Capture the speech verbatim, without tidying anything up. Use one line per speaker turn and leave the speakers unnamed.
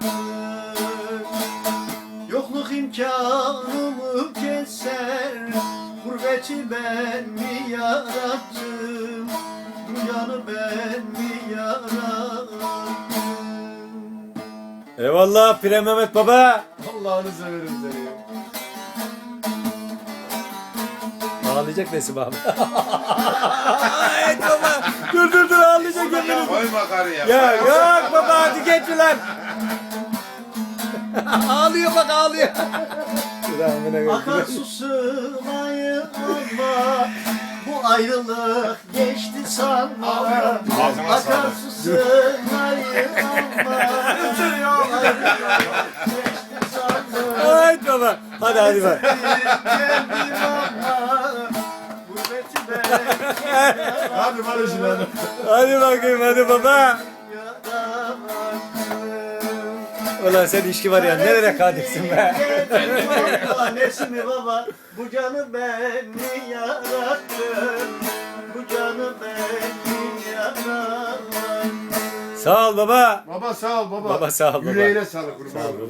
Yokluk imkanımı keser, gurbeti ben mi yarattım, bu yanı ben mi yarattım?
Eyvallah Pire Mehmet Baba.
Allah'ını severim seni.
Ağlayacak Nesim abi. Ay baba. Dur dur dur ağlayacak kendini.
Koyma karıya.
Ya yok baba hadi geç lan. Ağlıyor bak ağlıyor.
Akarsu sığmayı alma, bu ayrılık geçti sanma.
Ağzına sağlık.
Akarsu sığmayı alma, bu ayrılık geçti sanma.
Ay baba. Hadi hadi bak.
Geldim ama gurbeti ben
Hadi barışın hadi.
Hadi bakayım hadi baba.
yaramadım.
Ulan sen içki var ya nereye kadirsin be.
Nesimi baba, bu canı ben mi yarattım, bu canı ben mi yarattım?
Sağ ol baba.
Baba sağ ol baba.
Baba sağ ol baba.
Yüreğine sağlık kurban.